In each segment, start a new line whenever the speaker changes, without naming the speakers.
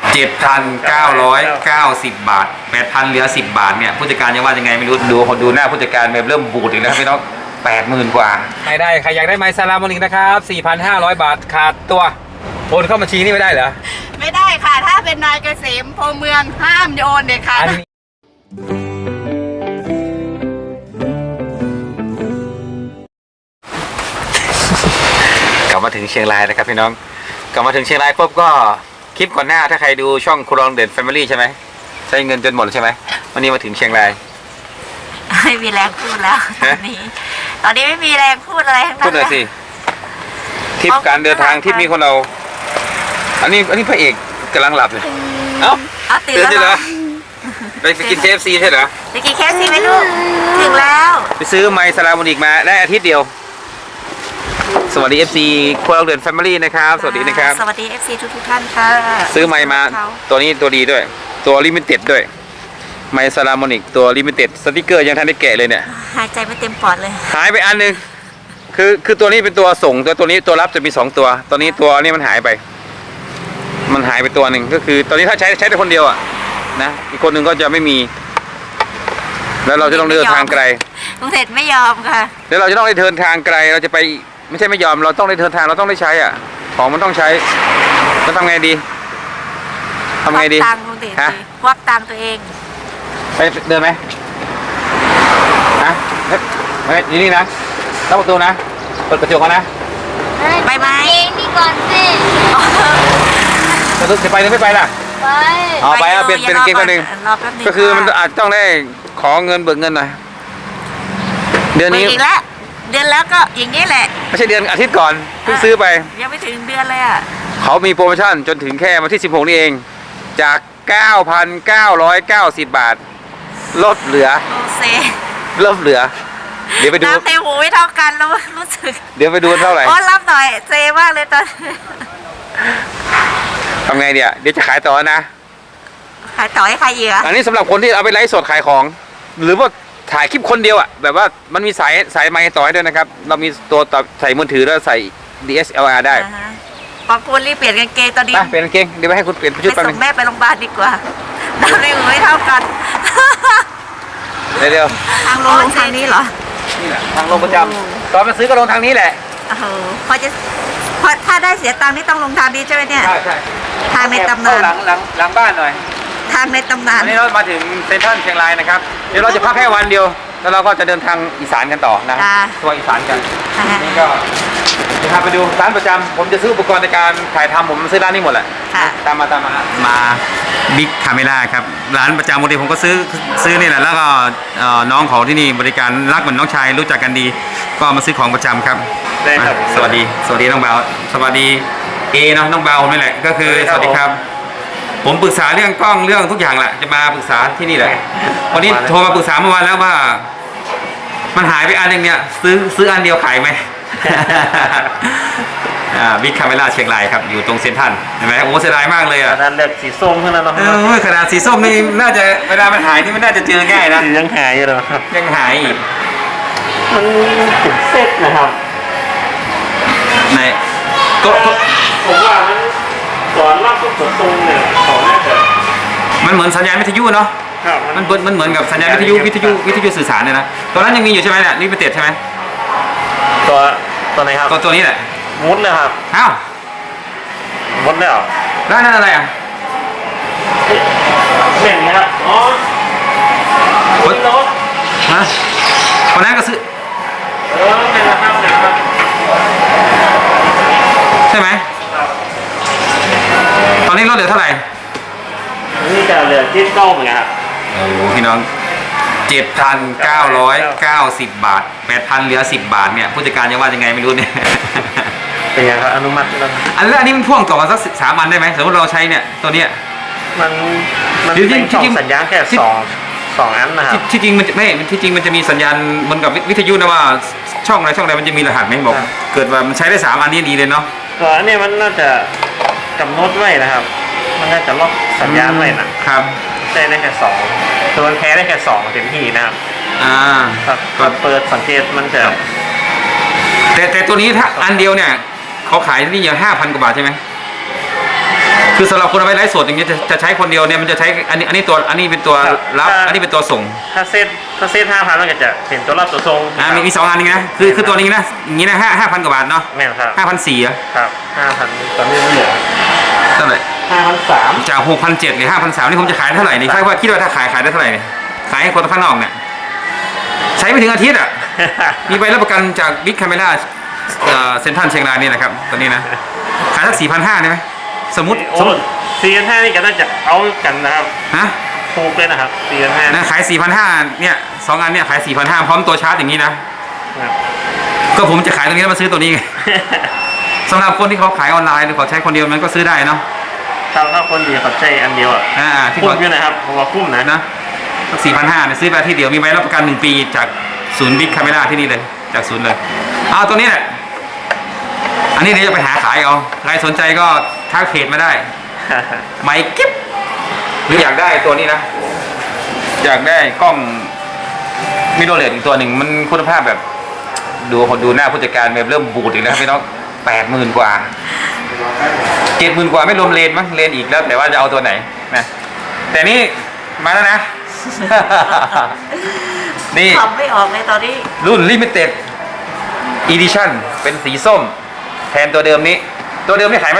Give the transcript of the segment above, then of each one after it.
7,990 บาท 8,000เหลือ10 บาทเนี่ยผู้จัดการจะว่ายังไงไม่รู้ดูหน้าผู้จัดการแบบเริ่มบูดอีกแล้วพี่น้อง80,000 กว่าไม่ได้ใครอยากได้ไมค์ซาลามอนิกนะครับ 4,500 บาทขาดตัวโอนเข้าบัญชีนี่ไม่ได้เหรอ
ไม่ได้ค่ะถ้าเป็นนายเกษมพเมืองห้ามโอนเด็ดขาด
กลับมาถึงเชียงรายนะครับพี่น้องกลับมาถึงเชียงรายปุ๊บก็คลิปก่อนหน้าถ้าใครดูช่องครองเด่นแฟมิลี่ใช่ไหมใช้เงินจนหมดใช่ไหมวันนี้มาถึงเชียงราย
ไม่มีแรงพูดแล้วตอนนี้ไม่มีแรงพูดอะไรทั้งนั้น
พูดเลยสิทริปการเดินทางทริปนี้คนเราอันนี้พระเอกกำลังหลับเลยเอ้า
ตื่นแล้ว
ไปกิน KFC ใช่เหรอ
ไปกิน KFC ไหมลูกถึงแล้ว
ไปซื้อไมค์ซาลามอนิกมาได้อาทิตย์เดียวสวัสดี FC ครัวเราเดินแฟมิลี่นะครับสวัสดีนะครับ
สวัสดี FC ทุกท่านค่ะ
ซื้อไมค์มาตัวนี้ตัวดีด้วยตัวลิมิเต็ดด้วยไมค์ซาลามอนิกตัวลิมิเต็ดสติกเกอร์ยังทันได้แกะเลยเนี่ย
หายใจไม่เต็มปอดเลย
หายไปอันนึงคือตัวนี้เป็นตัวส่งตัวนี้ตัวรับจะมี2ตัวตอนนี้ตัวนี้มันหายไปตัวหนึ่งก็คือตอนนี้ถ้าใช้แต่คนเดียวอ่ะนะอีกคนหนึ่งก็จะไม่มีแล้วเราจะต้องเดินทางไกล
ลุงเสร็จไม่ยอมค่ะ
แล้วเราจะต้องได้เดินทางไกลเราจะไปไม่ใช่ไม่ยอมเราต้องได้เดินทางเราต้องได้ใช้อ่ะของมันต้องใช้จะทำไงดี
ตังลุงเสร็จควักตังตัวเอง
ไปเดินไหมฮะไม่นี่นะล็อกประตูนะเปิดกระจกนะ
ไปไหม
นี่ก่อนสิ
จะไปหรือไม่ไปล่ะไปเอาเป็นเกมคนหนึ่งก็คือมันอาจต้องได้ขอเงินเบิกเงินหน่อยเดือนนี้
อีกแล้วเดือนแล้วก็อย่างนี้แหละ
ไม่ใช่เดือนอาทิตย์ก่อนเพิ่งซื้อไป
ยังไม่ถึงเดือนเลยอ่ะ
เขามีโปรโมชั่นจนถึงแค่วันที่16นี่เองจาก 9,990 บาทลดเหลือเดี๋ยวไปดู
น้ำเต็มหูไม่เท่ากันแล้วรู้สึก
เดี๋ยวไปดูเท่าไหร่
รับหน่อยเซมากเลยตอน
ทำไงเดี๋ยวจะขายต่อนะ
ขายต่อให้ใครเหยื่อ
อันนี้สำหรับคนที่เอาไปไลฟ์สดขายของหรือว่าถ่ายคลิปคนเดียวอ่ะแบบว่ามันมีสายไมค์ต่อให้ด้วยนะครับเรามีตัวต่อใส่มือถือแล้วใส่ DSLR ได้
ขอบคุณรีบเปลี่ยนกางเกงตอนนี้
เปลี่ยนกางเกงเดี๋ยวไปให้คุณเปลี่ยนชุดไป
ส่งแม่ไปโรงพยาบาลดีกว่าน้ำในหูไม่เท่ากัน
เดี๋ยว
ทางลงทางนี้เหรอ
นี่แหละทางลงประจำตอนมาซื้อก็ลงทางนี้แหละ
พอถ้าได้เสียตังค์นี่ต้องลงทางนี้ใช่ไหมเนี่ย
ใช่
ทางในตำนาน
หลังบ้านหน่อย
ทางในตำนาน
วันนี้เรามาถึงเซ็นทรัลเชียงรายนะครับเดี๋ยวเราจะพักแค่วันเดียวแล้วเราก็จะเดินทางอีสานกันต่อนะทัวร์อีสานกันนี่ก็จะพาไปดูร้านประจำผมจะซื้ออุปกรณ์ในการถ่ายทำผมซื้อร้านนี้หมดแหละตามมาบิ๊กคาเมล่าครับร้านประจำปกติผมก็ซื้อนี่แหละแล้วก็น้องของที่นี่บริการรักเหมือนน้องชายรู้จักกันดีก็มาซื้อของประจำครับสวัสดีน้องเบาสวัสดีนะน้องเบานี่แหละก็คือสวัสดีครับผมปรึกษาเรื่องกล้องเรื่องทุกอย่างแหละจะมาปรึกษาที่นี่แหละวันนี้โทรมาปรึกษาเมื่อวานแล้วว่ามันหายไปอันนึงเนี่ยซื้ออันเดียวขายไหมบิ๊กคาเมล่าเชียงรายครับอยู่ตรงเซ็นทรัลเห็นไหมโอ้เสียดายมากเลยอ่ะ
ขนาดเลือกสีส้มเท่านั้นเนา
ะขนาดสีส้มนี่น่าจะเวลามันหายนี่มันน่าจะเจอง่ายนะ
ยังหายอยู่เลยครับ
ยังหายอีก
มันถึงเซตนะครับ
ในก็
ผมว่ามันสอนรอบทุกตรงเนี่ยของน่าจะ
มันเหมือนสัญญาณวิทยุเนาะมันเหมือนกับสัญญาณวิทยุสื่อสารเนี่ยนะตอนนั้นยังมีอยู่ใช่ไหมเนี่ยนี่เป็นเต็ดใช่ไหม
ตัวไหนครับ
ตัวนี้แหละ
มุดเลยครับ
อ้าว
มุดแล้ว
นั่นอะไรอ่ะ
เห็นไหมครับอ๋อ
คนรถฮะคนนั้นก็ซื้อ
เป็นราคาไหนครับ
ใช่ไหมตอนนี้ลดเหลือเท่าไหร่
นี่จะเหลือที่เก้าเหมือนกันครับ
โอ้พี่น้อง7,990 บาท 8,000เหลือ10 บาทเนี่ยผู้จัดการจะว่ายังไงไม่รู้เนี่ย
เป็นยังครับอนุมัติแล้ว
อันนี้มันพ่วงต่อกันสัก3 อันได้ไหมสมมติเราใช้เนี่ยตัวเนี้ย
มันเป็นสัญญาณแค่2อันนะครับ
ที่จริงมันไม่ที่จริงมันจะมีสัญญาณเหมือนกับวิทยุนะว่าช่องใดมันจะมีรหัสไหมบอกเกิดว่ามันใช้ได้3 อันนี้ดีเลยเนาะ
ตัวนี้มันน่าจะกำหนดไว้นะครับมันน่าจะล็อกสัญญาณไว้นะครับได้แค่2ตัวแพ้ได้แค่2เต็มที่นะครับก็เปิดสังเกตมันจะ
แต่ตัวนี้ถ้าอันเดียวเนี่ยเขาขายที่นี่อย่าง5,000 กว่าบาทใช่ไหมคือสำหรับคนเอาไปไลฟ์สดอย่างเงี้ยจะใช้คนเดียวเนี่ยมันจะใช้อันนี้ตัวอันนี้เป็นตัวรับอันนี้เป็นตัวส่ง
ถ้าเซต5,000มันก็จะเป็นตัวรับตัวทรง
มี2อันนี้นะคือตัวนี้นะอย่างนี้นะ5,000 กว่าบาทเนาะ
แม่นครับ
5,400อ่ะ
ครับ 5,000 ตอนนี้เหลือ
เท่าไหร่
5,300
จาก 6,700 หรือ 5,300 นี่ผมจะขายเท่าไหร่นี่คิดว่าถ้าขายได้เท่าไหร่เนี่ยขายให้คนข้างนอกเนี่ยใช้ไม่ถึงอาทิตย์อ่ะ มีใบรับประกันจากบิ๊กคาเมล่าเซ็นทรัลเชียงรายนี่นะครับตัวนี้นะขายสัก 4,500 ได้ไหมสมมติ
4,500นี่ก็น่าจะเอากันนะครับ
ฮะ
ถูกเลยนะครับ4,500
นะขาย 4,500 เนี่ย2 อันเนี่ยขาย 4,500 พร้อมตัวชาร์จอย่างนี้นะก็ผมจะขายตรงนี้แล้วมาซื้อตัวนี้ไง สำหรับคนที่เขาขายออนไลน์หรือเขาใช้คนเดียวมันก็ซื้อได้เนาะ
ถ้าคนเดียวเขาใช้อันเดียวอ่ะ
ที่
คุ้
เขา
มอยู่นะครับผมว่าคุ้มนะ
4,500เนี่ยซื้อไปที่เดียวมีใบรับประกัน1 ปีจากศูนย์บิ๊กคาเมล่าที่นี่เลยจากศูนย์เลยเอาตัวนี้แหละอันนี้เดี๋ยวจะไปหาขายเอาใครสนใจก็ทักเพจมาได้ไมค์กิ๊บหรืออยากได้ตัวนี้นะอยากได้กล้องมิโรเลสอีกตัวหนึ่งมันคุณภาพแบบดูหน้าผู้จัดการแบบเริ่มบูดอีกแล้วพี่น้อง80,000 กว่า 70,000 กว่าไม่รวมเลนมั้งเลนอีกแล้วแต่ว่าจะเอาตัวไหนนะแต่นี่มาแล้วนะ นี่
ทำไม่ออกเลยตอนนี้
รุ่น Limited Edition เป็นสีส้มแทนตัวเดิมนี้ตัวเดิมนี่ขายมา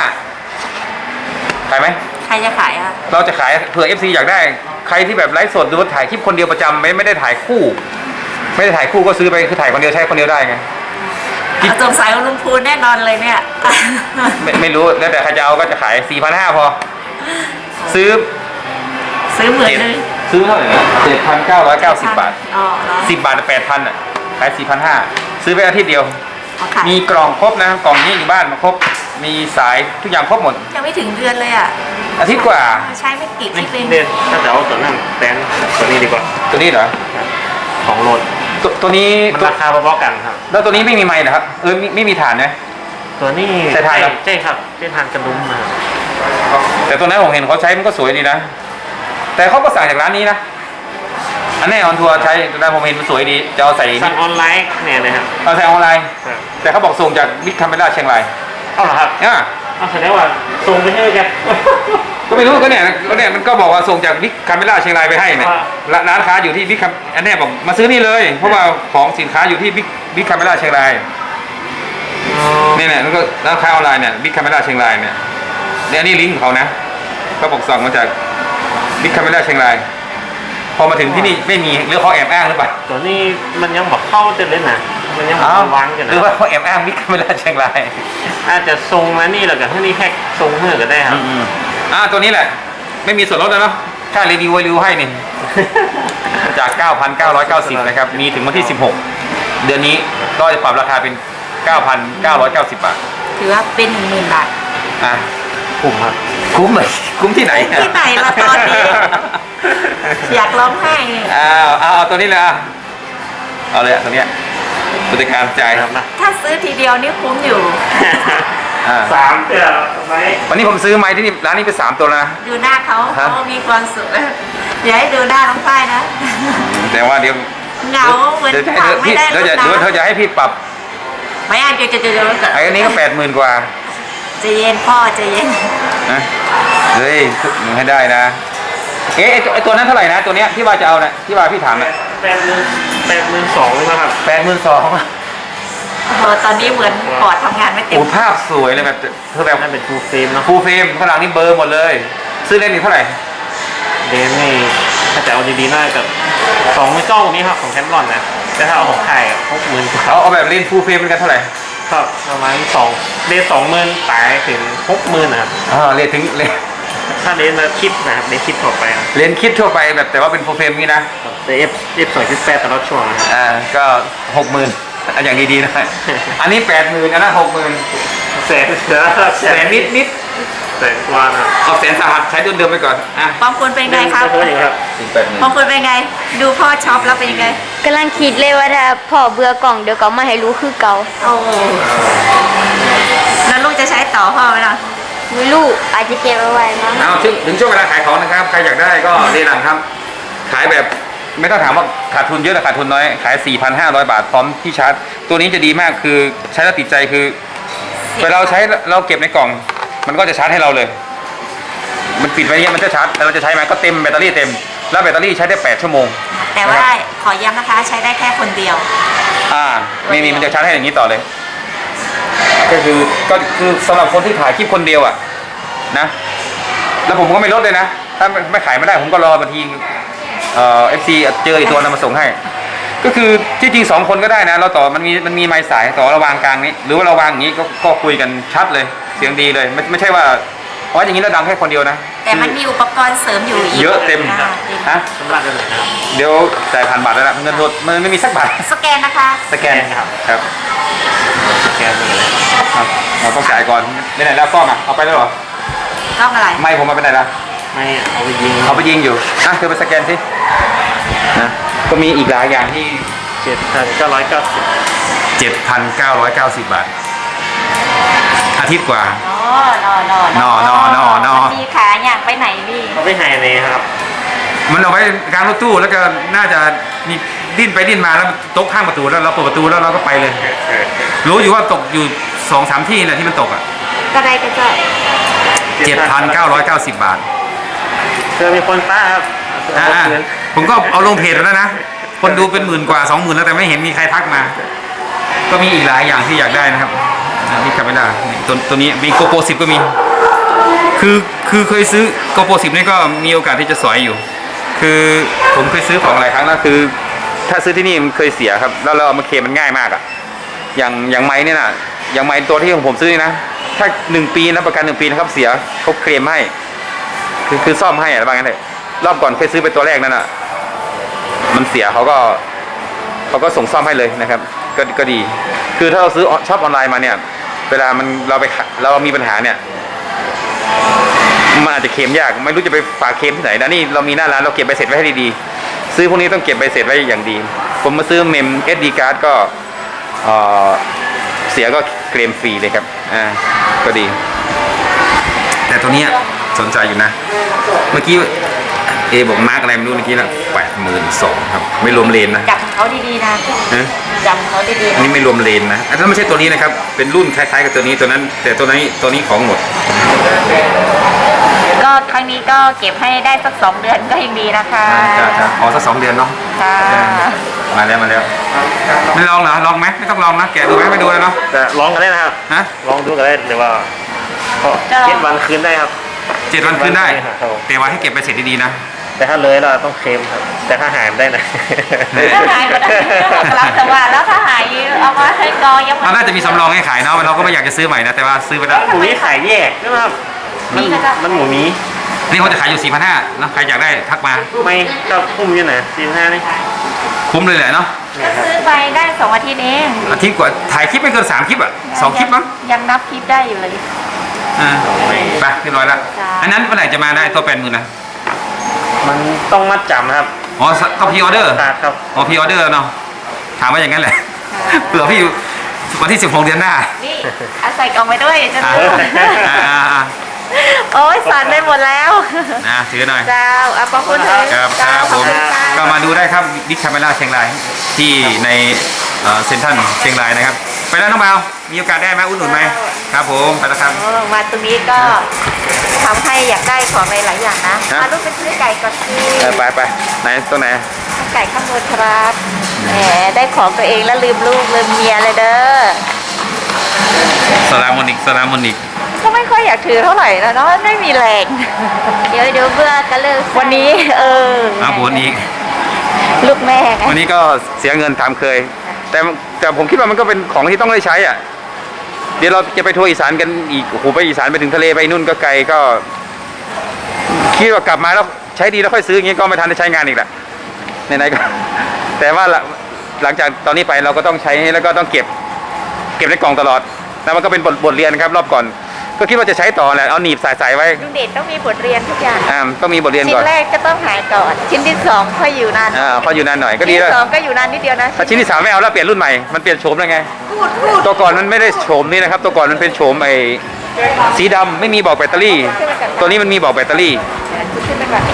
4,500 ขายไหม
ใครจะขายอ่ะ
เราจะขายเผื่อ FC อยากได้ใครที่แบบไลฟ์สดดูถ่ายคลิปคนเดียวประจำไม่ได้ถ่ายคู่ ไม่ได้ถ่ายคู่ก็ซื้อไปคือถ่ายคนเดียวใช้คนเดียวได้ไง
สงสัยว่าลุงพูนแน่นอนเลยเนี่ย
ไม่รู้แล้วแต่ใครจะเอาก็จะขาย 4,500 พอซื้อ
ซื้อเหมือนเลย
ซื้อเท่าไหร่นะ7,990 บาท
อ๋อเหรอ
10 บาท 8,000 อ่ะขาย 4,500 ซื้อไปอาทิตย์เดียว
อ๋อขาย
มีกล่องครบนะครับกล่องนี้อยู่บ้านมาครบมีสายทุกอย่างครบหมด
ยังไม่ถึงเดือนเลยอ่ะ
อาทิตย์กว่า
ใช้ไม่กี่คลิ
นี่
ปเอง
เด่นถ้าจะเอาตัวนั้นแตนตัวนี้ดีกว่า
ตัวนี้เหรอ
ของโหลด
ตัวนี้
มันราคาพอๆกันครับ
แล้วตัวนี้ไม่มีไมค์นะครับไม่มีฐานนะ
ตัวนี้
ใช่ทานครับ
ใช่ครับใช่ทานกระดุมนะครับ
แต่ตัวนั้นผมเห็นเขาใช้มันก็สวยดีนะ แต่เขาก็สั่งจากร้านนี้นะอันนี้ออนทัวร์ใช้แต่ผมเห็นมันสวยดีจะเอาใส่
สั่งออนไลน์เนี่ยนะครับ
เอาใส่ออนไลน์
ครับ
แต่เขาบอกส่งจากบิ๊กคาเมล่าเชียงราย
เอาเหรอครับ
อ่ะ
เอาแสดงว่าส่งไปให้แก
ก็ไม่รู้ก็เนี่ยมันก็บอกว่าส่งจากบิ๊กคาเมล่าเชียงรายไปให้เนี่ย
ว่า
ร้านค้าอยู่ที่บิ๊กอันนี้บอกมาซื้อนี่เลย เพราะว่าของสินค้าอยู่ที่บิ๊กคาเมล่าเชียงรายเนี่ยแล้วก็ร้านค้าออนไลน์เนี่ยบิ๊กคาเมล่าเชียงรายเนี่ยอันนี้ลิงก์ของเขานะเขาบอกสั่งมาจากบิ๊กคาเมล่าเชียงรายพอมาถึงที่นี่ไม่มีหรือเขาแอบอ้างหรือเปล่า
ตัวนี้มันยังบอกเข้าเต็มเลยนะมันยังบอกวางกัน
ห
นะ
รือว่าเขาแอบอ้างบิ๊กคาเมล่าเชียงราย
อาจจะทรงมานี่แหละกับที่นี่แค่ทรงเมื่อก็ได้ครับ
ตัวนี้แหละไม่มีส่วนลดแล้วเนาะค่ารีวิวให้นี่ จาก 9,990 นะครับ มีถึงวันที่ 16 เดือนนี้ก็จะปรับราคาเป็น 9,990 บาท
ถือว่าเป็น10,000 บาท
อ่ะ
คุ้มครับ
คุ้มเลยคุ้มที่ไหน
ที่ไหนล่ะตอนนี้ อยากร้องไห้
เอาตัวนี้เลยอ่ะเอาเลยอ่ะตัวเนี้ยบริการจ่าย
ครับนะ
ถ้าซื้อทีเดียวนี่คุ้มอยู่
3เดือนไหม
วันนี้ผมซื้อไม้ที่นี่ร้านนี้ไป3 ตัวแล้วนะ
ดูหน้าเขา
ฮะ
เขามีความสุขอย่าให้ดูหน้าน้องฝ้ายนะ
แต่ว่าเดี๋ยว
เหงาเหมือน
เดี๋ยวจะ
ฟังไม่ได้
เดี๋ยว
ร
จะ
ดน้
เดี๋ยวเธอจะให้พี่ปรับ
ำไม่อ่านจะ
ไอ้อันนี้ก็ 80,000 กว่า
ใจเย็นพ่อใจเย็น
นะเฮ้ยหนูให้ได้นะไอตัวนั้นเท่าไหร่นะตัวเนี้ยที่ว่าจะเอานะที่ว่าพี่ถามนะ
82,000เลยนะครับ
82,000
โอ้ตอนนี้เหมือนปอดทำงานไม่เต็ม
โอ้ภาพสวยเลยแบบเธอแบบ
นั่นเป็นฟูลเฟรมเนาะ
ฟูลเฟรมข้างหลังนี่เบลอร์หมดเลย ซื้อเล่นนี่เท่าไหร่
เดนนี่ถ้าจะเอาดีๆน่าจะ2ไม่ต้องนี้ครับของแคนรอนนะแต่ถ้าเอาของไทย60,000กว่า
เอาแบบเล่นฟูลเฟรมเป็นกันเท่าไหร่
ครับประมาณเดน20,000ตายถึง60,000นะครับ
เล่นถึงเล่น
ถ้าเดนมาคิดนะครับเดนคิดต่อไปนะ
เล่นคิดทั่วไปแบบแต่ว่าเป็นฟูลเฟรมนี่นะ
แต่F 2.8ตลอดช่วงนะครับ
ก็ 60,000อันอย่างดีๆนะอันนี้ 80,000อันนั้น60,000
แสนเสือ
แสนนิด
แสนกว่านะ
เอาแสนสหัสใช้เดิมๆไปก่อนอ่ะ
บางคนเป็นไงครับ
เท่าไหร่ครับ
ถึง
บางคนเป็นไง ดูพ่อช็อปแล้วเป็นยังไง
กำลังคิดเลยว่าถ้าพ่อเบื่อกล่องเดี๋ยวก็มาให้รู้คือเก่า
โอ้แล้วลูกจะใช้ต่อพ่อไหมล่ะ
ไม่รู้อาจจะเก็บเอาไว้มั้ง
เอาถึงช่วงเวลาขายของนะครับใครอยากได้ก็เรียนหลังครับ ขายแบบไม่ต้องถามว่าขาดทุนเยอะหรือขาดทุนน้อยขาย 4,500 บาทพร้อมที่ชาร์จตัวนี้จะดีมากคือใช้แล้วติดใจคือเวลาเราใช้เราเก็บในกล่อง มันก็จะชาร์จให้เราเลยปิดไว้เนี่ยมันจะชาร์จแล้วเราจะใช้มันก็เต็มแบตเตอรี่เต็มแล้วแบตเตอรี่ใช้ได้8 ชั่วโมง
แต่ว่าขอย้ำนะคะใช้ได้แค่คนเดียว
มีมันจะชาร์จให้อย่างนี้ต่อเลย ก็คือสำหรับคนที่ถ่ายคลิปคนเดียวอ่ะนะแล้วผมก็ไม่ลดเลยนะถ้าไม่ขายไม่ได้ผมก็รอบางทีFC เจออีกตัวนำมาส่งให้ ก็คือที่จริง2 คนก็ได้นะเราต่อมันมีไม้สายต่อระวางกลางนี้หรือว่าเราวางอย่างนี้ก็คุยกันชัดเลยเสียงดีเลยไม่ใช่ว่าเพราะอย่างนี้เราดังแค่คนเดียวนะ
แต่มันมีอุปกรณ์เสริมอยู่อีก
เยอะเต็ม ฮะ
ชำระได้เลยนะครับ
เดี๋ยวจ่ายผ่านบัตรแล้วนะเงินสดมันไม่มีสักบาท
สแกนนะคะ
สแกน
ครับ
ครับ
แกนเลย
ครับเราต้องจ่ายก่อนไปไหนแล้วกล้องอ่ะเอาไปแล้วเหรอ
กล้องอะไร
ไม่ผมมาไปไหนแล้ว
ไม่เอาไปยิง
เขาไปยิงอยู่เธอไปสแกนสินะก็มีอีกหลายอย่างที่
7,990
7,990 บาทอาทิตย์กว่า
นอ
นอ
มีขาอย่างไปไหนพี่
เขาไปหายในครับ
มันเอาไว้กลางรถตู้แล้วก็น่าจะมีดิ้นไปดิ้นมาแล้วโต๊ะข้างประตูแล้วเราเปิดประตูแล้วเราก็ไปเลย รู้อยู่ว่าตกอยู่ 2-3 ที่แหละที่มันตกอ่ะ
ก็ได้ก็จะ
7,990 บาท
เจอมีคนป้าครับ
ผมก็เอาลงเพจแล้วนะ คนดูเป็น10,000 กว่า 20,000 แล้วแต่ไม่เห็นมีใครทักมา ก็มีอีกหลายอย่างที่อยากได้นะครับนี่คาเมล่าตัวนี้มีโกโปร10 ก็มี คือเคยซื้อโกโปร10 นี่ก็มีโอกาสที่จะสอยอยู่ คือผมเคยซื้อของหลายครั้งแล้วคือ ถ้าซื้อที่นี่มันเคยเสียครับ แล้วเราเอามาเคลมมันง่ายมากอะอย่างไม้เนี่ยนะอย่างไม้ตัวที่ของผมซื้อนี่นะ ถ้า1 ปีนะประกัน1 ปีนะครับเสียเขาเคลมให้ คือซ่อมให้อะไรบางอย่างเลยรอบก่อนเคยซื้อไปตัวแรกนั่นอะมันเสียเขาก็ส่งซ่อมให้เลยนะครับ ก็ดี คือถ้าเราซื้อช็อปออนไลน์มาเนี่ย เวลาเรามีปัญหาเนี่ยมันอาจจะเคลมยากไม่รู้จะไปฝากเคลมที่ไหนนะนี่เรามีหน้าร้านเราเก็บใบเสร็จไว้ให้ดีๆซื้อพวกนี้ต้องเก็บใบเสร็จไว้อย่างดี ผมมาซื้อเมม SD card ก็เสียก็เคลมฟรีเลยครับก็ดี แต่ตัวนี้สนใจอยู่นะ เมื่อกี้บอกมาร์กอะไรไม่รู้เมื่อกี้นะ82,000 ครับไม่รวมเลนนะ
จับเขาดีๆนะจำเขาดีๆ
อันนี้ไม่รวมเลนนะอันนั้นไม่ใช่ตัวนี้นะครับเป็นรุ่นคล้ายๆกับตัวนี้ตัวนั้น แต่ตัวนี้ของหมด
ก็ครั้งนี้ก็เก็บให้ได้สัก2 เดือนก็ยังดีนะคะ
สัก2 เดือนเนาะ
ค่ะ
มาแล้วไม่ลองเหรอลองไหมไม่ต้องลองนะแกะดูไหมไม่ดูเลยเนาะ
แต่ลองกันได้นะครับ
ฮะ
ลองดูกันได้หรือว่า7 วันคืนได้ครับ
7 วันคืนได้
ครับ
แต่ว่าให้เก็บไปเสร็จดีๆนะ
แต่ถ้าเลยเราต้องเคลมครับ แต่ถ้าหายได้นะ
ถ้าหายก็ได้รับแต่ว่าแล้วถ้าหายเอามาให้กองยัง
เราน่าจะมีสำรองให้ขายเนาะเราก็ไม่อยากจะซื้อใหม่นะแต่ว่าซื้อไปแล้ว
หมูนี้ขายแยกนะครับมันหมูนี้
นี่เขาจะขายอยู่ 4,500นะใครอยากได้ทักมา
ไม่ก็คุ้มอยู่นะ45นี่
คุ้มเลยแหละเนาะ
ก็ซื้อไปได้2 อาทิตย์เอง
อาทิตย์กว่าถ่ายคลิปไม่เกิน3 คลิปอ่ะ2 คลิปมั้ง
ยังนับคลิปได้อยู่เลย
ไปเรียบร้อยแล้ว
จ้า
อันนั้นเมื่อไหร่จะมาได้ตัว80,000นะ
มันต้องมัดจำครับ
อ๋อต้องพรีออเดอร์
ครับ
อ๋อพรีออเดอร์เนาะถามว่าอย่างนั้นแหละเผื่อพี่วันที่16 เดือนหน้า
นี่เอาใส่กล่องไปด้วยจะ
อ่า
ดู
อ่า
โอ้ยสั่นไปหมดแล้ว
ถือหน่อย
เจ้าเอาขอบคุณเถอะ
ครับผม
เจ้า
ก็มาดูได้ครับดิคาเมล่าเชียงรายที่ในเซ็นทรัลเชียงรายนะครับ ไปแล้วน้องเบามีโอกาสได้ไหมอุดหนุนไหมครับผมไปแล้วครับ
โอ้มาตรงนี้ก็ทำให้อยากได้ของหลายๆอย่างนะ
ฮะ
มาลูกไปซื้อไก่ก่อนสิ
ไปไหนตัวไหน
ไก่ข้างบนครับแหมได้ของตัวเองแล้วลืมลูกลืมเมียเลยเด้อ
สลามอนิก
ก็ไม่ค่อยอยากถือเท่าไหร่นะเนาะไม่มีแรง
เดี๋ยวเบื่อก็เลิก
วันนี้
บนอีก
ลูกแม่ไง
วันนี้ก็เสียเงินตามเคย แต่ผมคิดว่ามันก็เป็นของที่ต้องได้ใช้อ่ะเดี๋ยวเราจะไปทัวร์อีสานกันอีกโอ้โหไปอีสานไปถึงทะเลไปนู่นก็ไกลก็คิดว่ากลับมาแล้วใช้ดีแล้วค่อยซื้ออย่างงี้ก็ไม่ทันได้ใช้งานอีกแหละไหนๆก็ แต่ว่าหลังจากตอนนี้ไปเราก็ต้องใช้แล้วก็ต้องเก็บในกล่องตลอดแล้วมันก็เป็นบทเรียนครับรอบก่อนก็คิดว่าจะใช้ต่อแหละเอาหนีบใส่ไว้
ลุงเดชต้องมีบทเรียนทุกอย่าง
ต้องมีบทเรียน
ชิ้
ก่อน
นแรกก็ต้องหายก่อนชิ้นที่2ค่อยอยู่นาน
พออยู่นานหน่อยก็ดี
ชิ้น
แล้ว
ที่2ก็อยู่นานนิดเดียวนะ
ถ้าชิ้นที่3ไม่เอาแล้วเปลี่ยนรุ่นใหม่มันเปลี่ยนโฉมแล้วไงตัวก่อนมันไม่ได้โฉมนี่นะครับตัวก่อนมันเป็นโฉมสีดำไม่มีบอกแบตเตอรี่ ตัวนี้มันมีบอกแบตเตอรี่
ขึ้นไปก่อน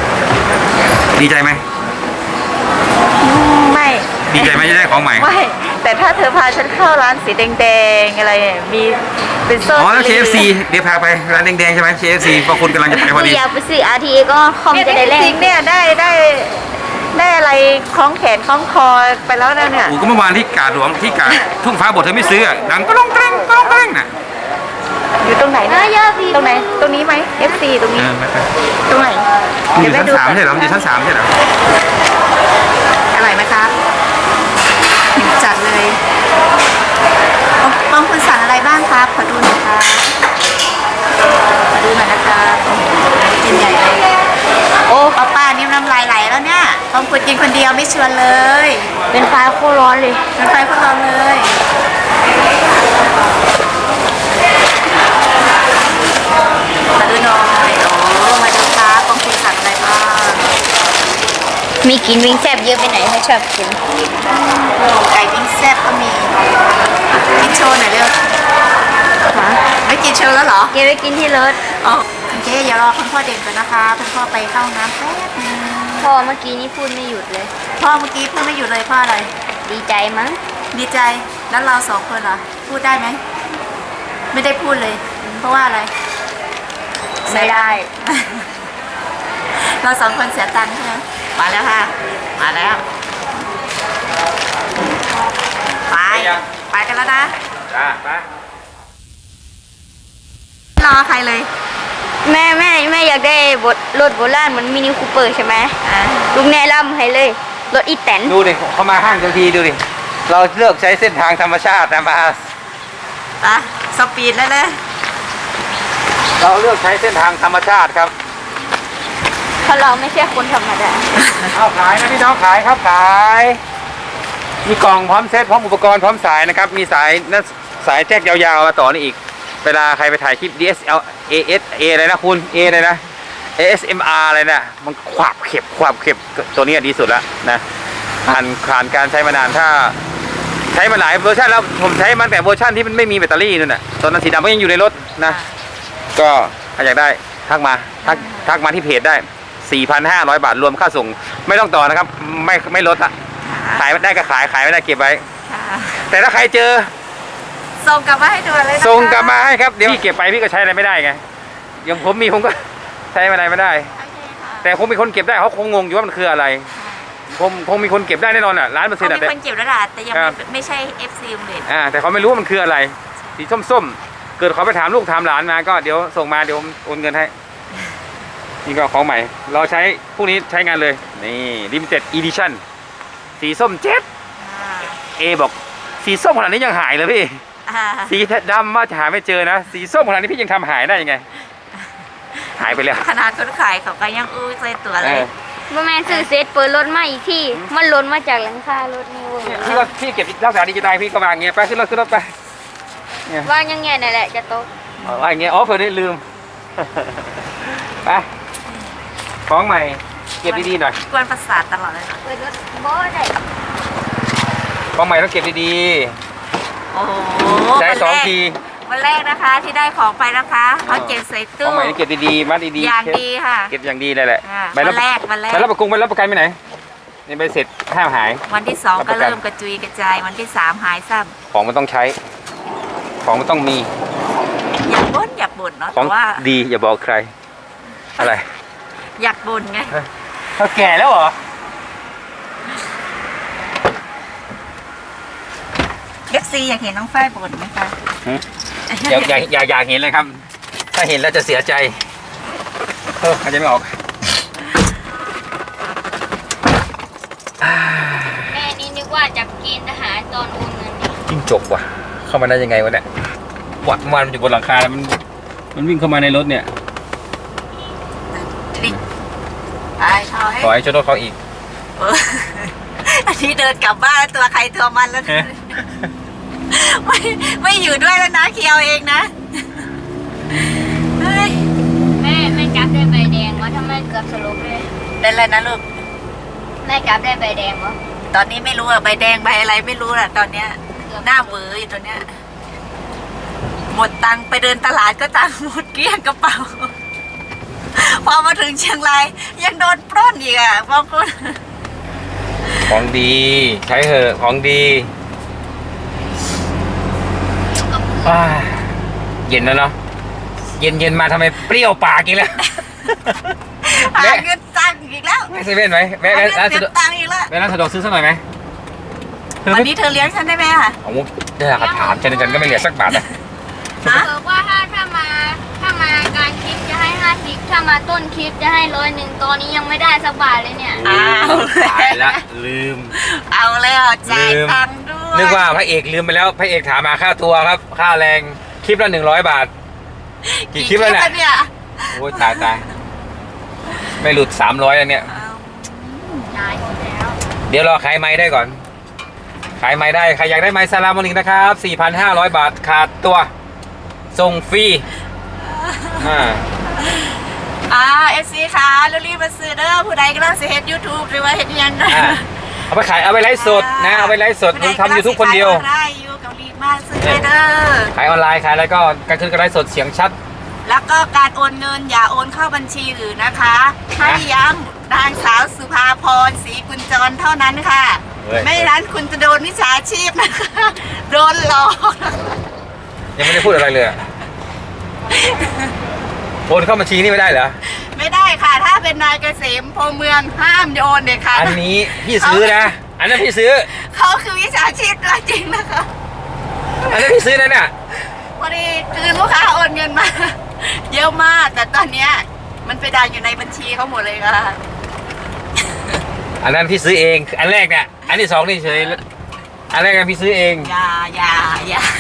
ดีใจไหม
ไม่
ดีใจไหมจะได้ของใหม่
ไม่แต่ถ้าเธอพาฉันเข้าร้านสีแดงๆอะไรเนี่ยมีเป็นโซน
อ๋อแล้ว KFC เดี๋ยวพาไปร้านแดงๆใช่ไหม KFC เพราะคุณกำลังจะไปพอดี
อยากไปซื้อ RTA ก็คอม
เนี่ย
จะได้แล
จริ
ก
งๆเนี่ยได้อะไรคล้องแขนคล้องคอไปแล้วนะเนี่ย
โอ้ก็เมื่อวานที่กาดหลวงที่กาดทุ่งฟ้าบทเธอไม่ซื้ออะดังก็ร้องแกล้งก็ร้องแกล้งน่ะ
อยู่ตรงไหนนะ
เยอะพี่
ตรงไหนตรงนี้ไหม FC ตรงนี้
ไม่ไป
ตรงไหน
มันอยู่ชั้นสามใช่เหรอมันอยู่ชั้น3ใช่เหรอ
อร่อยไหมคะจัดเลยบางคนสั่งอะไรบ้างครับขอดูหน่อยครับขอดูหน่อยนะคะโอ้โหกินใหญ่เลยโอ้ป้านี่น้ำลายไหลแล้วเนี่ยบางคนกินคนเดียวไม่ชวนเลย
เป็นไฟโคตรร้อนเลย
เป็นไฟพวกเราเลยมาดูหน่อยโอ้มาดูครับบางคนสั่งอะไรบ้าง
มีกินวิงแซบเยอะไปไหนไม่ชอบกิน
ไก่ปิ้งแซ่บก็มีกินโชว์หน่อยเร็วไม่กินโชว์แล้วเหรอ
เก็บไปกินที่รถ
อ๋อโอเคอย่ารอคุณพ่อเด่นก่อนนะคะคุณพ่อไปเข้าห้องน้ำแป๊บนึง
พ่อเมื่อกี้นี่พูดไม่หยุดเลย
พ่อเมื่อกี้พูดไม่หยุดเลยพ่ออะไร
ดีใจมั้ง
ดีใจแล้วเรา2 คนเหรอพูดได้ไหมไม่ได้พูดเลย เพราะว่าอะไร
ไม่ได้
เรา2 คนเสียตังค์ใช่ไหมมาแล้วค่ะมาแล้วไปกันแล้วนะ
จ้าไป
รอใครเลย
แม่อยากได้รถโบราณเหมือนมินิคูเปอร์ใช่ไหม
อ่ะ
ลุงแนะนำให้เลย รถอีแตน
ดูดิเขามาห้างทันทีดูดิเราเลือกใช้เส้นทางธรรมชาตินะบาส
ไปสปีดแล้วเลย
เราเลือกใช้เส้นทางธรรมชาติครับ
เพราะเราไม่ใช่คนธรรมดา
เอาขายนะพี่น้องขายครับขาย มีกล่องพร้อมเซตพร้อมอุปกรณ์พร้อมสายนะครับ มีสายนั่นสายแจ็คยาวๆมาต่อนี่อีก เวลาใครไปถ่ายคลิป DSL ASA อะไรนะคุณ A อะไรนะ ASMR อะไรนะมันขวาบเข็บตัวนี้ดีสุดแล้วนะผ่านการใช้มานานถ้าใช้มาหลายเวอร์ชันแล้วผมใช้มาแต่เวอร์ชันที่มันไม่มีแบตเตอรี่นั่นน่ะตอนนั้นสีดำก็ยังอยู่ในรถนะ ก็ถ้าอยากได้ทักมาที่เพจได้ 4,500 บาทรวมค่าส่งไม่ต้องต่อนะครับไม่ลดอะขายได้ก็ขายไม่ได้เก็บไว้ แต่ถ้าใครเจอ
ส่งกลับมาให้ดูเลยนะคะ
ส่งกลับมาให้ครับเดี๋ยวพี่เก็บไปพี่ก็ใช้อะไรไม่ได้ไงอย่างผมก็ใช้อะไรไม่ได้
โอเคค่ะ
แต่คงมีคนเก็บได้เขาคงงงอยู่ว่ามันคืออะไรคงมีคนเก็บได้แน่นอนอ่ะ1,000,000%
เขา
อ่ะ
มีคนเก็บแล้วล่ะแต่ยัง
ครับ
ไม่ใช่ FC โรงเรียน
แต่เขาไม่รู้ว่ามันคืออะไรสีส้มๆเกิดเขาไปถามลูกถามหลานมาก็เดี๋ยวส่งมาเดี๋ยวโอนเงินให้นี่ก็ของใหม่เราใช้พวกนี้ใช้งานเลยนี่ Limited Edition สีส้มเจ็ด เอบอกสีส้มขนาดนี้ยังหายเลยพี่ สีดำว่าจะหาไม่เจอนะสีส้มขนาดนี้พี่ยังทำหายได้ยังไง หายไปแล้ว
ขนาดคนขายเขาก็ยังอู้ใจตัวเลย
บ่แม่นซื้อเซตเปิดรถมาอีกที่ มันหล่นมาจากหลังคารถนี่เว้ย
พี่เก็บรักษาดีจะได้พี่ก็วางอย่างเงี้ยไปขึ้นรถไปเนี่ย
ว่างยังไงนั่นแหละจะตก
ว่าอย่างเงี้ยเผื่อได้ลืม ไปของใหม่เก็บดีๆหน่อย
กวนประสาทตลอดเลยนะ
เปิดรถบ่ได้
ของใหม่ต้องเก็บดี
โอ้โห
ๆใช้2 ที
วันแรกนะคะที่ได้ของไปนะคะเขาเก็บใส่
ข
ตู้
องใหม่ต้องเก็บดีๆมัดดีๆ
อย่างดีค่ะ
เก็บอย่างดีเลยแหละ
อ่า
ใบรับ
วันแรก
ใบรับประกันไปไหนนี่ใบเสร็จห้ามหาย
วันที่ 2 ก็เริ่มกระจุยกระจายวันที่ 3 หายซ้
ของมันต้องใช้ ของมันต้องมี
ำอยากบ่นเนาะ
ขอ
แต่
ง
ว่า
ดีอย่าบอกใคร อะไร
อยากบ่นไง
เขาแก่แล้วเหรอ
FC อยากเห็นน้องฝ้ายบ่นไหมคะ
อยากเห็นเลยครับ ถ้าเห็นแล้วจะเสียใจอาจจะไม่ออก
แม่นี่นึกว่าจับเกณฑ์ทหารตอนโอนเงินนี่
จิ้งจกว่ะ เข้ามาได้ยังไงวะเนี่ยวันมันอยู่บนหลังคาแล้วมันวิ่งเข้ามาในรถเนี่ย
ทริกไปเอาให้
ขอให้ชนรถเขาอีก
เอออันนี้เดินกลับบ้านตัวใครตัวมันแล้วนะ ไม่อยู่ด้วยแล้วนะเคียวเองนะเฮ้ย
แม่กลับได้ใบแดงวะทำไมเกือบสลบเลย
เป็นไรนะลูก
แม่กลับได้ใบแดงวะ
ตอนนี้ไม่รู้อะใบแดงใบอะไรไม่รู้อะตอนเนี้ยหน้าเหวออยู่ตอนเนี้ยหมดตังค์ไปเดินตลาดก็ตังค์หมดเกลี้ยงกระเป๋า พอมาถึงเชียงรายยังโดนปล้นอีกอะบางคน
ของดีใช้เถอะของดีเย็นแล้วเนาะเย็นมาทำไมเปรี้ยวปากอีกแล้ว
หาเงินตังค์อีกแล้ว
แม่เซเว่นไหมแม่
หา
ร้าน
เงิน
สะดวก
ตังค์อีกแล้ว
แม่ร้านสะดวกซื้อสักหน่อยไหม
วันนี้เธอเลี้ยงฉันได้ไหมคะ
โอ้โหได้ราคาถามฉันก็ไม่เหลือสักบาทนะ
ฮะ
บอกว่าถ้ามากลารคลิปจะให้50ถ้ามาต้นคลิปจะให้100ตอนนี้ยังไม่ได้สักบาทเลยเนี่ย
อ้าว
ตายละลืม
เอาแล้วจ่ายตังค์ด้วย
นึกว่าพระเอกลืมไปแล้วพระเอกถามมาค่าตัวครับ ค่าแรงคลิปละ100 บาท กี่คลิปแล้วเนี่ย โอ้ยตายไม่หลุด300แล้วเนี่ย
ได้หมดแล้ว
เดี๋ยวรอขายไม้ได้ก่อน ขายไม้ได้ใครอยากได้ไม้ซาลามอนิกนะครับ 4,500 บาทขาดตัวส่งฟรี
เอฟซีค่ะรีบมาซื้อเด้อผู้ใดกำลังสิเฮ็ด YouTube หรือว่าเฮ็ดอิหยังนะ
เอาไปขายเอาไปไลฟ์สดนะเอาไปไลฟ์สดผมทำยูทูบคนเดียว
ได้อยู่เกาหลีมากซื้อได้เด้อ
ขายออนไลน์ขายอะไรก็การขึ้นการไลฟ์สดเสียงชัด
แล้วก็การโอนเงินอย่าโอนเข้าบัญชีอื่นนะคะให้ย้ำนางสาวสุภาพรศรีกุญจรเท่านั้นค่ะ ไม่นั้นคุณจะโดนมิจฉาชีพนะคะโดนหลอก
ยังไม่ได้พูดอะไรเลยโอนเข้าบัญชีนี่ไม่ได้เหรอ
ไม่ได้ค่ะ ถ้าเป็นนายเกษมพรหมเมืองห้ามโยนเด็ดขาด
อันนี้พี่ซื้อนะอันนั้นพี่ซื้อ
เขาคือวิชาชีพตัวจริงนะคะ
อันนั้นพี่ซื้อนะเนี่ย
พอดีคือลูกค้าโอนเงินมา เยอะมากแต่ตอนเนี้ยมันไปดังอยู่ในบัญชีเขาหมดเลยค่ะ
อันนั้นพี่ซื้อเองอันแรกเนี่ยอันที่สองนี่เฉยอันแรกพี่ซื้อเอง
อย่า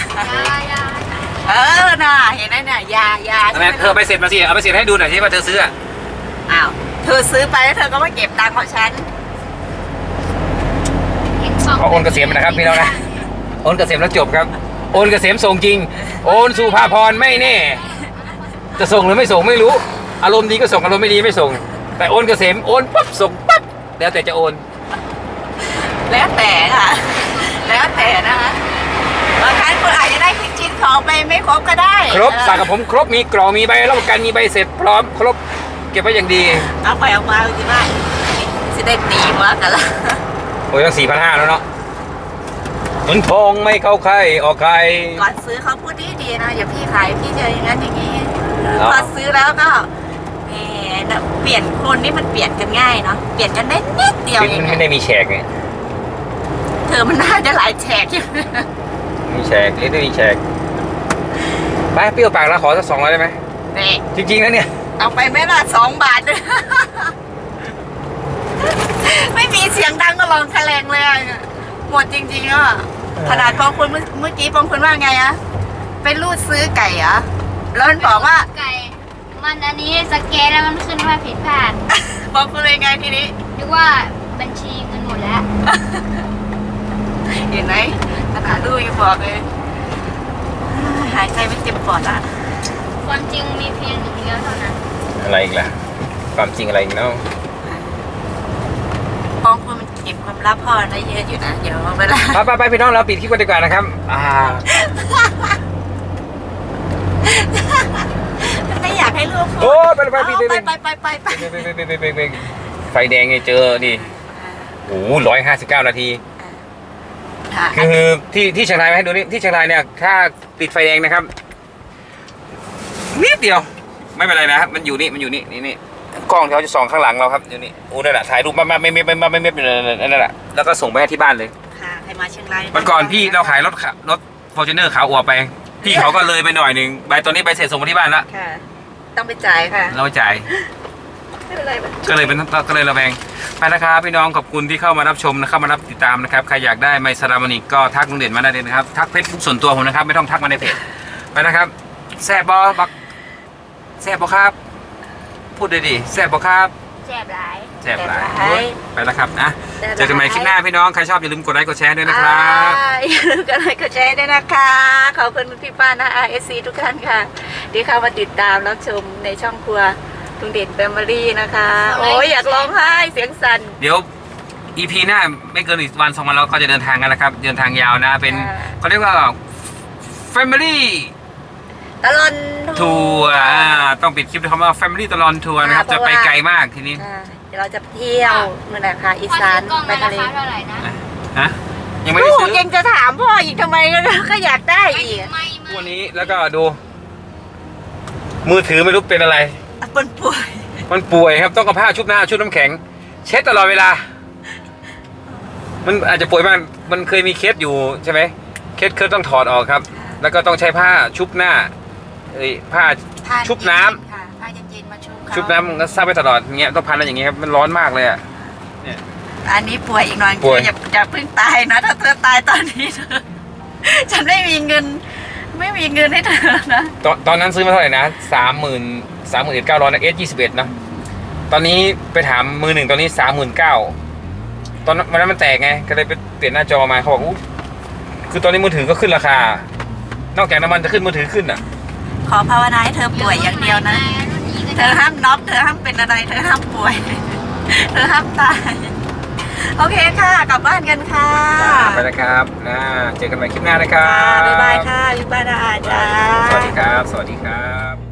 น่ะเห็นไหมเนี่ยอย่า
อันนั้นเธอไปเสร็จมาสิเอาไปเสร็จให้ดูหน่อยสิว่าเธอซื้อ
อ้าวเธอซื้อไปแล้วเธอก็มาเก็บตังค์ของฉัน
เอาโอนเกษมนะครับพี่น้องนะโอนเกษมแล้วจบครับโอนเกษมส่งจริงโอนสุภาพรไม่แน่จะส่งหรือไม่ส่งไม่รู้อารมณ์ดีก็ส่งอารมณ์ไม่ดีไม่ส่งแต่โอนเกษมโอนปั๊บส่งปั๊บแล้วแต่จะโอน
แล้วแต่ค่ะ แล้วแต่นะคะบางครั้งคุณอาจจะได้ชิ้นของไปไม่ครบก็ได้
ครบสั่งกับผมครบมีกล่องมีใบรับประกันมีใบเสร็จพร้อมครบเก็บไว้อย่างดี
เอาไปเอามาสิว่าสิได้ตีมากกันละ
โอ้ยตั้ง4,500แล้วเนาะเงินทองไม่เข้าใครออกใคร
ก่อนซื้อเขาพูดดีๆนะอย่าพี่ขายพี่เจออย่างนั้นอย่างนี้
อ๋อ
พอซื้อแล้วก็แหมเปลี่ยนคนนี่มันเปลี่ยนกันง่ายเนาะเปลี่ยนกันได้นิดเดียว
ชีวิต
เอง
มันไม่ได้มีแฉกไง
เธอมันน่าจะหลายแฉกอยู่
มีแฉกเรียกได้มีแฉกไปเปรี้ยวปากแล้วขอสัก200ได้ไหม
นี่
จริงๆนะเนี่ย
เอาไปไหม่ละ2 บาทด้วย ไม่มีเสียงดังก็ลองแถลงเลยอะหมดจริงๆอ่ะขนาดปองคุณเมื่อกี้ปองคุณว่าไงอะไปรูดซื้อไก่เหรอแล้วมันบอกว่า
ไก่มันอันนี้สแกนแล้วมันขึ้นว่าผิดพลาด
ปองคุณเลยไงทีนี้
นึกว่าบัญชีเงินหมดแล้ว
เห็นไหมขนาดดูยังบอกเลยหายใจไม่เต็มปอดอ่ะ
ความจริงมีเพียงหนึ่งเดียวเท่านั้น
อะไรอีกล่ะความจริงอะไรอีกเนาะ
ปองคุณมันเก็บความลับพ่อได้เยอะอยู่นะเดี๋ยวเวลา
ไปพี่น้องเราปิดคลิปกันดีกว่านะครับ
ไม่อยากให้ลูกพูด
โอ้ไป
ไป
ไฟแดงเนี่ยเจอนี่โอ้โห159 นาที
ค่ะ
คือที่เชียงรายไหมให้ดูนี่ที่เชียงรายเนี่ยถ้าติดไฟแดงนะครับนิดเดียวไม่เป็นไรนะครับมันอยู่นี่กล้องเขาจะส่องข้างหลังเราครับอยู่นี่โอ้นั่นแหละถ่ายรูปมาไม่นั่นแหละแล้วก็ส่งไปให้ที่บ้านเลย
ค่ะใครมาเชียงราย
วันก่อนพี่เราขายรถฟอร์จูเนอร์ขาวอวบไปพี่เขาก็เลยไปหน่อยหนึ่งใบตอนนี้ใบเสร็จส่งมาที่บ้านแล้ว
ค่ะ ต้องไปจ่ายค่ะ
เราไม่จ่าย
ไม่เป็นไร
ก็เลยระแวงไปนะครับพี่น้องขอบคุณที่เข้ามารับชมนะเข้ามารับติดตามนะครับใครอยากได้ไมซารามอนิกก็ทักลุงเด่นมาได้เลยนะครับทักเฟซบุ๊กส่วนตัวผมนะครับไม่ต้องทักมาในเพจไปนะครับแซ่บบอบักแซ่บบอครับพูดเลยดิแซ่บบอครับ
แจ็บหลาย
แซ่บหลายไปแล้วครับนะเจอกันใหม่คลิปหน้าพี่น้องใครชอบอย่าลืมกดไลค์กดแชร์ด้วยนะครับ
อย่าลืมกดไลค์กดแชร์ด้วยนะคะ ขอบคุณพี่ป้านะ RSC ทุกท่านค่ะ ที่เข้ามาติดตามรับชมในช่องครัวลุงเด่นแฟมิลี่นะคะ โอ้ยอยากร้องไห้เสียงสั่น
เดี๋ยว EP หน้าไม่เกินอีกวัน2 วันเราก็จะเดินทางกันนะครับเดินทางยาวนะเป็นเขาเรียกว่า Family
ตลอน
ทัวร์ต้องปิดคลิปด้วยคำว่า Family ตลอนทัวร์นะครับจะไปไกลมากทีนี้
เดี๋ยวเราจะเที่ยวเมื่อไหร่คะอี
พอ
สา
ซื้
น
อกล้อง
ไป
มารา
ทะเล
คาเท่าไหร่นะ
ฮะยังไม่ได้
ลู
ซื้
ก
อ
ยังจะถามพ่ออีกทำไมก็อยากได้อีก
ไม่
ตัวนี้แล้วก็ดู มือถือไม่รู้เป็นอะไร
มันป่วย
มันป่วยครับต้องเอาผ้าชุบหน้าชุบน้ำแข็ง เช็ดตลอดเวลา มันอาจจะป่วยมากมันเคยมีเคสอยู่ใช่ไหมเคสต้องถอดออกครับ แล้วก็ต้องใช้ผ้าชุบหน้าผ้าชุบน้ำ
ค่ะผ้าเย็นๆมาชุบเขา
ชุบน้ำมันก็ซับไปตลอดเงี้ยต้องพันอะไรอย่างเงี้ยครับมันร้อนมากเลยอ่ะ
อันนี้ป่วยอีกหน่อย
ป่วย
อย่าเพิ่งตายนะถ้าเธอตายตอนนี้เธอฉันไม่มีเงินให้เธอนะ
ตอนนั้นซื้อมาเท่าไหร่นะ31,900นะS21นะตอนนี้ไปถามมือหนึ่งตอนนี้39,000ตอนนั้นมันแตกไงก็เลยไปเปลี่ยนหน้าจอมาเขาบอกอู้คือตอนนี้มือถือก็ขึ้นราคานอกจากน้ำมันจะขึ้นมือถือขึ้นอ่ะ
ขอภาวนาให้เธอป่วยอย่างเดียวนะ เธอห้ามน็อกเธอห้ามเป็นอะไร เธอห้ามป่วย เธอห้ามตาย โอเคค่ะกลับบ้านกันค่ะ
ไปนะครับเจอกันใหม่คลิปหน้านะครั
ค่ะ
บ
บ๊ายบายค่ะบ๊ายบายนะอาจารย์
สวัสดีครับ สวัสดีครับ